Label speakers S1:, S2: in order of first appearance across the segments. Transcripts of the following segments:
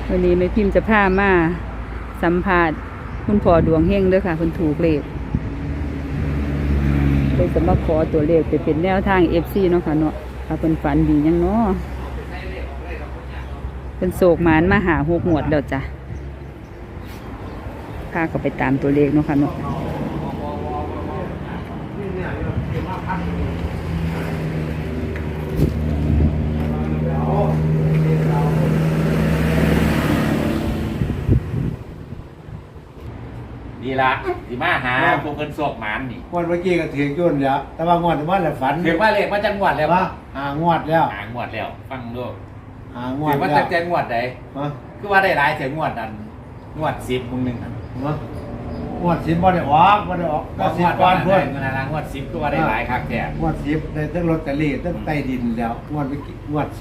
S1: วันนี้แม่พิมพ์จะพามาสัมภาษณ์คุณพ่อดวงเฮงด้วยค่ะคุณถูกเลขเลยจะมาขอตัวเลขไปเป็นแนวทาง FC เนาะค่ะเนาะค่ะเป็นฝันดียังเนาะเป็นโศกหมานมาหา6 งวดแล้วจ้ะพาก็ไปตามตัวเลขเนาะค่ะเนาะ
S2: ดีละสิมาหาพวกเพิ่นโศกหมานนี่
S3: งวดเมื่อกี้ก็ถือจุนแล้วแต่ว่างวดว่าแหละฝัน
S2: ถือว่าเลขมาจังหวัดแล้ว
S3: ว่าหางวดแล้ว
S2: หางวดแล้ว ฟังดู
S3: หางว
S2: ถื
S3: ด
S2: อว่า
S3: แล้ว
S2: จังหวัดใด
S3: ฮะ
S2: คือว่าได้หลายถึงงวดนั้นงวด10มึงนึงน่ะ
S3: ฮะงวด10บ่ได้ออกก็
S2: งวด
S3: 10ก่อน
S2: เพิ่
S3: เพิ่
S2: น
S3: น
S2: นะงวด10คือว่าได้หลายคักแท้
S3: งวด10ได้ทั้งลอตเตอรี่ทั้งใต้ดินแล้วงวดเมื่อกี้งวด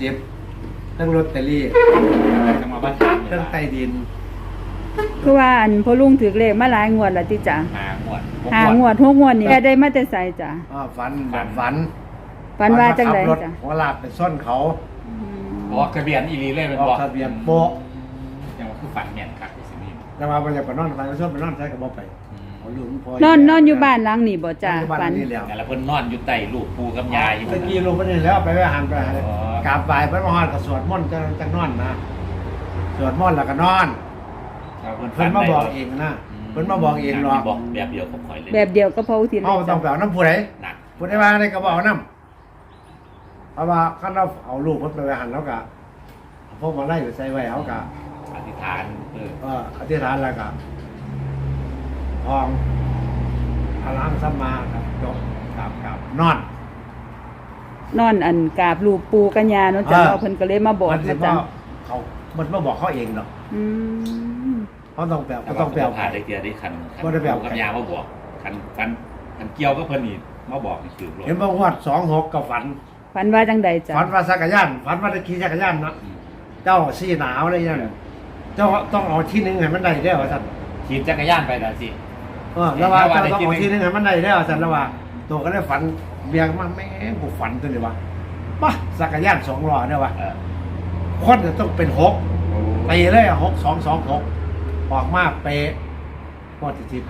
S3: 10ทั้งลอตเตอรี่
S2: จังหวัดบ้าน
S3: ทั้งใต้ดิน
S1: คือว่าอันพ่อลุงถือเลขมาหลายงวดแล้วติจ้ะ
S2: หางวด
S1: 5 งวด6 งวดนี่แกได้มาแต่ไสจ้ะ
S3: ฝัน
S1: ฝันว่าจังได
S3: ขับรถ
S1: จ้ะ
S3: หัวลากไปซ่อนเขา
S2: บอกทะเบียนอีหลีเลย
S3: อ
S2: เป็น
S3: อก
S2: บอก
S3: ทะเบียนโป๊ะ
S2: ยังว่าคือฝันแม่นคักสินี่
S3: แต่ว่าบ่อยากไปนอนฝันไปซ่อนไปนอนใช้ก็บ่ไปเอาลูกพ่อน
S1: อนอยู่บ้านหลังนี่บ่จ้ะ
S3: ฝั
S1: ฝั
S3: น
S1: น
S3: นี่แล้ว
S2: แต่ละเพิ่นนอนอยู่ใต้ลูกปูกับยาอยู่
S3: ตะกี้ลงไปนี่แล้วไปหันไป
S2: อ๋อ
S3: กราบไหว้พระมหาก็สวดมนต์จังนอนนะสวดมนต์แล้วก็นอน เพิ่นมาบอกเองนะเพิ่นมาบอกเองหรอก
S2: บอกแบบเดียวกับข่อยเลย
S1: แบบเดียวก็พออุทิศ
S3: เฮาต้องไปเอาน้ำผู้ใด
S2: หนัก
S3: ผู้ใดว่าได้ก็บ่เอาน้ำเพราะว่าคันเราเอาลูกเพิ่นไปไว้หันแล้วก็พวกมาไล่ไปใส่ไว้เฮาก็
S2: อธิษฐาน
S3: อธิษฐานแล้วก็พองพลังสัมมาครับจบกับนอน
S1: นอนอันกราบรูปปูกัญญาเนาะจ้ะเพิ่นก็เลยมาบอก
S3: มันสิ
S1: นะ
S3: บ่
S1: จ้ะ
S3: เขามันมาบอกเขาเองดอก
S1: อืม
S3: เขาต้องแปล
S2: แต่
S3: ต้
S2: ว่า
S3: องแปล
S2: ผ่านได้เกียร์ได้คัน
S3: บ่ได้แบบ
S2: กับยามาบอกคันเกี่ยวก็เพิ่นนี่มาบอกนี่คือรถ
S3: เห็นบ่งวด26ก็ฝัน
S1: ฝันว่าจังใดจ้ะ
S3: ฝันว่าจักรยานฝันว่าได้ขี่จักรยานเนาะเจ้าซี่หนาวอะไรอย่างนั้นเจ้าต้องเอาที่หนึงให้มันได้แล้วว่าซั่น
S2: ขี่จักรยานไปแล้วสิ
S3: แล้วว่าเจ้าต้องเอาที่หนึงให้มันได้แล้วว่าซั่นแล้วว่าตัวก็ได้ฝันเบียงมาแม่งกูฝันตัวนี้ว่าป่ะจักรยาน2ล้อเนี่ยว่า
S2: เออ
S3: คนจะต้องเป็น6ไปเลย6226ออกมาเป๊ะพอสิ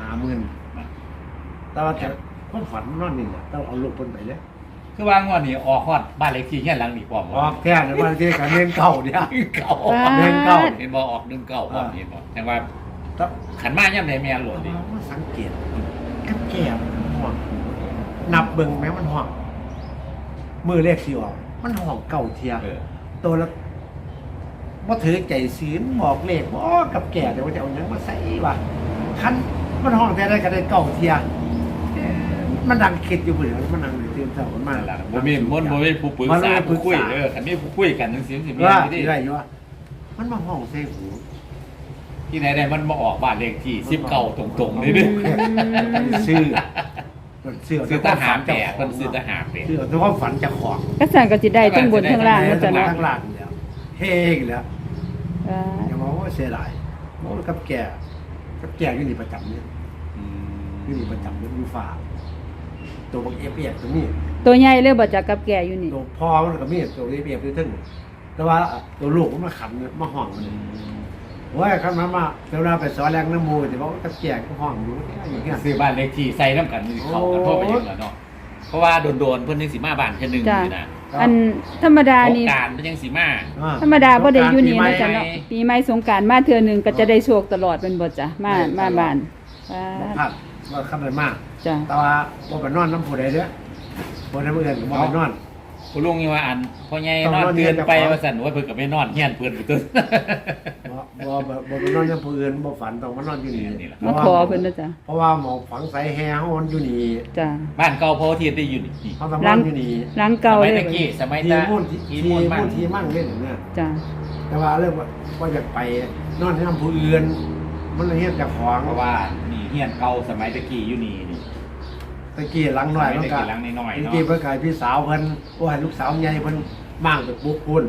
S3: 50,000แต่ว่าจะคนฝันนอนนี่แหละต้องเอาลูกเพิ่นไปเลย
S2: คือว่างวดนี้ออกฮอดบ้านเลขที่เฮียนหลังนี่พร้อม
S3: ออกแค่ในวันที่การเรียนเก่าเนี่ย
S2: เก่า
S3: เดินเก่า
S2: เห็นบ่ออก1 9พร้อมเห็นบ่แต่ว่า
S3: ถ้า
S2: ขันมาย่ำใดแม่นโหลดดิ
S3: มาสังเกตกับแก้มมันห่วงนับเบิ่งแม้มันห่วงมือเลขสิออกมันห่วงเก่าเทีย
S2: เออ
S3: ตัวละบ่ถือใจศีลบอกเลขบ่กับแก่แต่ว่าจะเอาหยังมาใส่วะคันมันห่วงแต่ได้ก็ได้เก่าเทียมันดังคิดอยู่เบื่อมันดังตื่นเช้ามันมา
S2: นั่นล่ะบ่มีผู้ปรึกษาผู้คุยคันมีผู้คุยกันจังซี่สิมี
S3: ว่า
S2: ที่
S3: ได้อยู่ว่ามันมาห้องใส่หู
S2: ที่ไหนได้มันมาออกบ้านเลขที่19ตรงๆนี่ดิ
S3: ชื่อ
S2: ซื้อทหารแปะเพิ่นซื้อทหารแปะ
S3: ชื่อตัวความฝันจะของ
S1: ก็สั่นก็สิได้ทั้งบนทั้งล่างเนาะจ้ะ
S3: ทั้
S1: เนาะ
S3: งล่างแล้วเฮ้งแล้ว
S1: อ่า
S3: อย่ามองว่าเสียดายมองกับแก่อยู่นี่ประจำเนี่ยอยู่นี่ประจำเนี่ยอยู่ฝ่าตัวบักเอฟเอฟตัวนี้
S1: ตัวใหญ่เลยบ่จ้ะกับแก่อยู่นี่
S3: ตัวพ่อมันก็มีตัวเอฟเอฟตัวทึ่งแต่ว่าตัวลูกมันมาขันเนี่ยมาห้องมันว่าคันมาเวลาไปสอนแรงน้ำมูแต่ว่ากับแก่ก็ห้องอยู่อย่างเงี้ย
S2: ซื้อบ้านเลขที่ใส่น้ำกันนี่เข้ากันทั่วไปยังแล้วเนาะเพราะว่าโดนๆเพิ่นยังสิมาบ้านแค่นึง
S1: จ้ะ
S2: นี่นะ
S1: อันธรรมดา
S2: สง
S1: นี่
S2: กรานต์เพิ่นยังสิมา
S1: ธรรมดาบ่ได้อยู่นี่เนาะจ้ะ
S2: ปีใหม่
S1: เนาะปีใหม่สงกรานต์มาเทื่อหนึงก็จะได้โชคตลอดเป็นบ่จ้ะมาบ้าน
S3: พลาดว่าขับได้มาก
S1: จ้ะ
S3: แต่ว่าบ่ไปนอนน้ำผู้ใดเด้อบ่ได้เมื่อคืนบ่ไปนอน
S2: คุณลุงนี่ว่าอันพ่อใหญ่
S3: ต้อง
S2: นอน
S3: นอน
S2: เตือน
S3: เฮียน
S2: ไป
S3: เจ้าของ
S2: ว่าซั่นว่าเพิ่นก็ไปนอนเฮียนเพิ่นไปตึ้ง
S3: บ่ไปนอนน้ำผู้อื่นบ่ฝันต้องมานอนอยู่นี่
S2: นี่แหละ
S1: มาขอเพิ่นนะจ้ะ
S3: เพราะว่าหมองฝังใส่แฮเฮามันอยู่นี่
S1: จ้ะ
S2: บ้านเก่าพ่อเทียนได้อยู่นี่
S3: เฮาต้องนอนอยู่นี่
S1: หลังเก่า
S2: สมัย
S1: เล
S2: ตะ
S1: ย
S2: กี้สมัย
S3: ที
S2: ตะ
S3: มุ่น
S2: ที
S3: ที
S2: มุ่น
S3: มุ่
S2: มั่
S3: น
S2: ง
S3: ทีมั่งเล่นเนี่ย
S1: จ้ะ
S3: แต่ว่าเรื่องว่าอยากไปนอนในน้ำผู้อื่นมันเลยเฮ็ดเจ้าของ
S2: เพราะว่านี่เฮียนเก่าสมัยตะกี้อยู่นี่นี่
S3: ตะกี้หลังน้อย
S2: สมั
S3: มัน
S2: ย
S3: ก็
S2: ตะกี้หลังน้อยๆเนาะ
S3: ตะกี้เพิ่นก็ให้พี่สาวเพิ่นโอ้ให้ลูกสาวใหญ่เพิ่นมั่งไปปลุกคุณ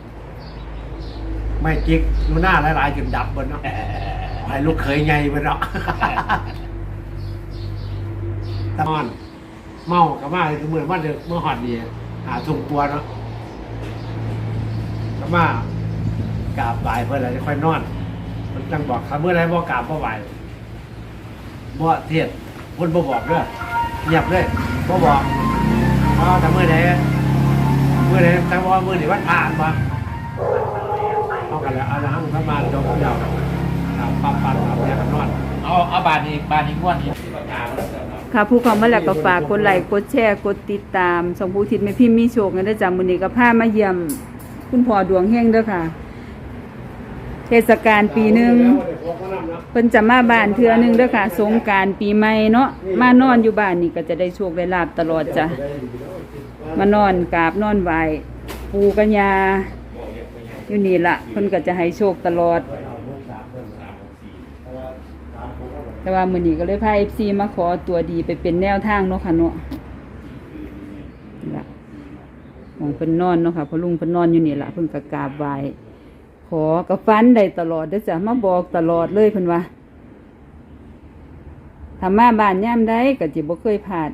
S3: ไม่จิกอยู่หน้าหลายๆจนดับเพิ่นเนาะ ให้ลูกเคยไงไปเนาะ ตอนเมากับมาเลยคือเหมือนว่าเด็กเมื่อหอดดีหาถุงปัวเนาะกับมากราบไหว้เพื่อนอะไรจะค่อยนอนมันจังบอกครับเมื่อไรบ่กราบบ่ไหว้บ่เทศเพิ่นบ่บอกเด้อเงียบเลยบ่บอกแต่เมื่อไหร่แต่ว่าเมื่อไหร่วันผ่านมาเอากันแล้วเอาละหั่งพระมาจงเดียวปั๊บเอาเนี่ยกันนอน
S2: เอาบานนี้งวดนี้
S1: ค่ะผู้เข้ามาแล้วก็ฝากกดไลค์กดแชร์กดติดตามส่งผู้ทิศแม่พิมพ์มีโชคกันได้อจ้ะมื้อนี้ก็พามาเยี่ยมคุณพ่อดวงเฮงเด้อค่ะ เทศกาลปีหนึงเพิ่นจะมาบ้านเทื่อนึงเด้อค่ะสงกรานต์ปีใหม่เนาะมานอนอยู่บ้านนี่ก็จะได้โชคได้ลาภตลอดจ้ะมานอนกราบนอนไหว้ปู่กับย่าอยู่นี่ล่ะเพิ่นก็จะให้โชคตลอด แต่ว่ามื้อนี้ก็เลยพา FC มาขอตัวดีไปเป็นแนวทางเนาะค่ะเนาะนี่ล่ะหมองเพิ่นนอนเนาะค่ะเพอลุงเพิ่นนอนอยู่นี่ล่ะเพิ่นก็กราบไหว้ขอกับฟันได้ตลอดเด้อจ้ะมาบอกตลอดเลยเพิ่นว่าถ้ามาบ้านยามใดก็สิบ่เคยพลาด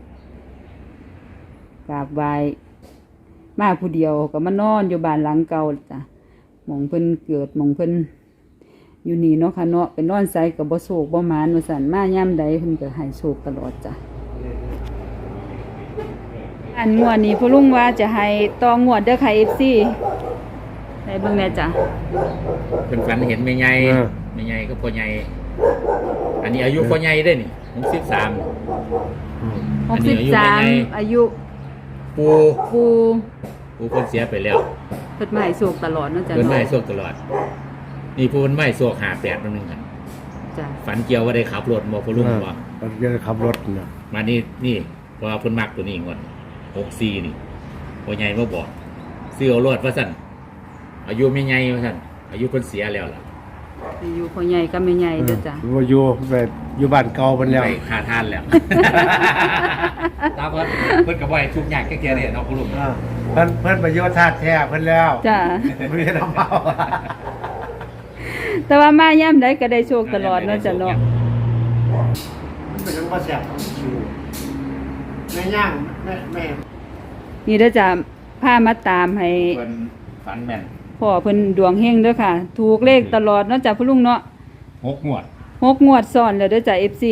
S1: กราบไหว้มาผู้เดียวก็มานอนอยู่บ้านหลังเก่าจ้ะหม่องเพิ่นเกิดหม่องเพิ่นอยู่นี่เนาะค่ะเนาะเป็นนอนไสก็บ่โศกบ่หมานว่าซั่นมายามใดเพิ่นก็ให้โชคตลอดจ้ะอันงวดนี้พ่อลุงว่าจะให้ต่องวดเด้อค่ะ FC ได้เบิ่งแน่จ้ะ
S2: เพิ่นฝันเห็นแม่ใหญ่แม่ใหญ่ก็พ่อใหญ่อันนี้อายุพ่อใหญ่ได้นี่63
S1: 63อายุ
S2: ปู
S1: ปู
S2: เพิ่นเสียไปแล้ว
S1: เพิ่นมาให้โชคตลอดเนาะจ้ะ
S2: เพิ่นไม่
S1: เนาะ
S2: ให้โชคตลอดนี่ปูเพิ่นไม่ให้โชค58นึงกัน
S1: จ้ะ
S2: ฝันเกี่ยวว่าได้ขับรถบ่พ่อลุงบ่
S3: มันจะขับรถเนี่ย
S2: มานี่เพราะว่าเพิ่นมักตัวนี้งวด64นี่พ่อใหญ่มาบอกซื้อเอารถว่าซั่นอายุแม่ใหญ่ว่าซั่นอายุเพิ่นเสียแล้วล่ะ
S1: อยู่พ่อใหญ่กับแม่ใหญ่เด้อจ้ะ
S3: ว่าอยู่บ้านเก่าเพิ่นแล้ว
S2: ไปค่าทานแล้วตามเพิ่นก็บ่ให้ทุกอย่างแก่ๆเนี่ยเนาะพ่อลุง
S3: เพิ่นประโยชน์ธาตุแท้เพิ่นแล้ว
S1: จ้ะ
S3: ไม่ได้น้ำเมา
S1: แต่ว่ามายามใดก็ได้โชคตลอดเนาะจ้ะเนาะ
S3: มันเป็นจังว่าแซ่บแม่ย่างแม่
S1: นี่เด้อจ้ะพามาตามให้
S2: เพิ่นฝันแม่น
S1: พ่อเพิ่นดวงเฮงเด้อค่ะ ถูกเลขตลอดเนาะจ้ะพ่อลุงเนาะ
S2: 6งวด
S1: 6 งวดซ้อนแล้วเด้อจ้ะ FC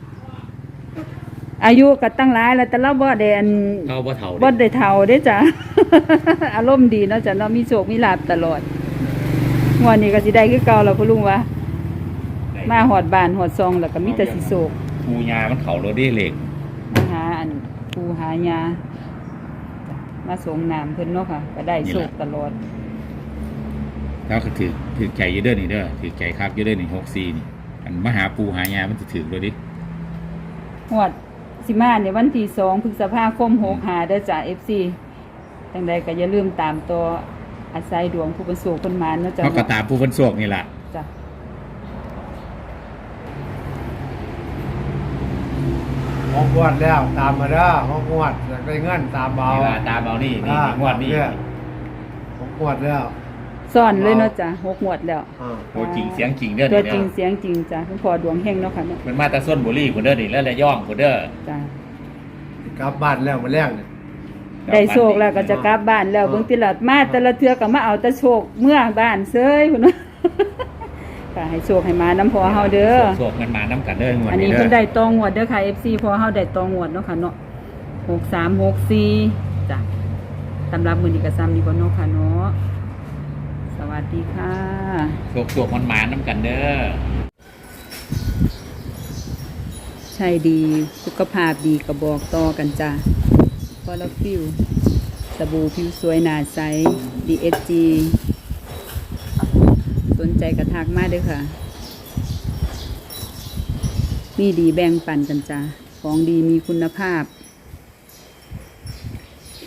S1: อายุก็ตั้งหลายแล้วแต่เราบ่ได้อัน
S2: เขาบ่เฒ่า
S1: บ่ได้เฒ่าเด้อจ้ะ อารมณ์ดีเนาะจ้ะเนาะมีโชคมีลาภตลอดงวดนี้ก็สิได้คือเก่าแล้วพ่อลุงว่ามาฮอดบ้านฮอดซองแล้วก็มีแต่สิโศก
S2: ปูยามันเข้ารถได้เหล็ก
S1: มาหาอันปูหายาจ้ะมาส่งน้ำเพิ่นเนาะค่ะก็ได้โชคตลอด
S2: แล้วก็ถือใจอยู่เด้อนี่เด้อถือใจคักอยู่เด้อนี่64นี่อันมาหาปูหายามันสิถือเลยดิ
S1: ฮอดสิมาในวันที่2พฤษภาคม65เด้อจ้ะ FC จังใดก็อย่าลืมตามตัวอาศัยดวงผู้เป็นโชคเพิ่นมาเนาะจ้ะ
S2: เขาก็ตามผู้เพิ่นโชคนี่ล่ะ
S1: จ้ะ
S3: ห้องงวดแล้วตามมาเด้อห้องงวดอยากได้เงินตามเบา
S2: นี่ล่ะตามเอานี่งวดนี้
S3: ห้องงวดแล้ว
S1: ซ่อนเลยเนาะจ้ะ6งวดแล้ว
S2: โอ้จริงเสียงจริงเด้อ
S1: ตัว
S2: นี่
S1: จริ
S2: เด้
S1: ง
S2: อ
S1: เสียงจริงจ้ะคุณพ่อดวงเฮงเนาะค่ะเนาะ
S2: มันมาแต่ส้นบุรีพุ่นเด้อนี่แล้วระย่องพุ่นเด้อ
S1: จ้ะ
S3: กลับบ้านแล้วมาแรกเนี่ย
S1: ได้โชคแล้วก็จะกลับบ้านแล้วเบิ่งติละมาแต่ละเทื่อก็มาเอาแต่โชคเมื่อบ้านเซ้ยพุ่นเนาะ ก็ให้โชคให้มาน้ำพอเฮาเด้อ
S2: โชคมันมานํกันเด้องวด
S1: อัน
S2: นี้
S1: นี้
S2: เด้
S1: เพิ่น
S2: อ
S1: ได้ตองวดเด้อค่ะ FC พอเฮาได้ตองวดเนาะค่ะเนาะ6364จ้ะสำหรับมื้อนี้ก็ซ้ำนี้ก่อนเนาะค่ะเนาะสวัสดีค่ะ
S2: โชคมันมานํกันเด้อ
S1: ใช่ดีสุขภาพดีก็บอกต่อกันจ้ะพอแล้วฟิวสบู่ผิวสวยหน้าใส DSG สนใจกระทักมาเด้อค่ะ มีดีแบ่งปันกันจ้ะของดีมีคุณภาพ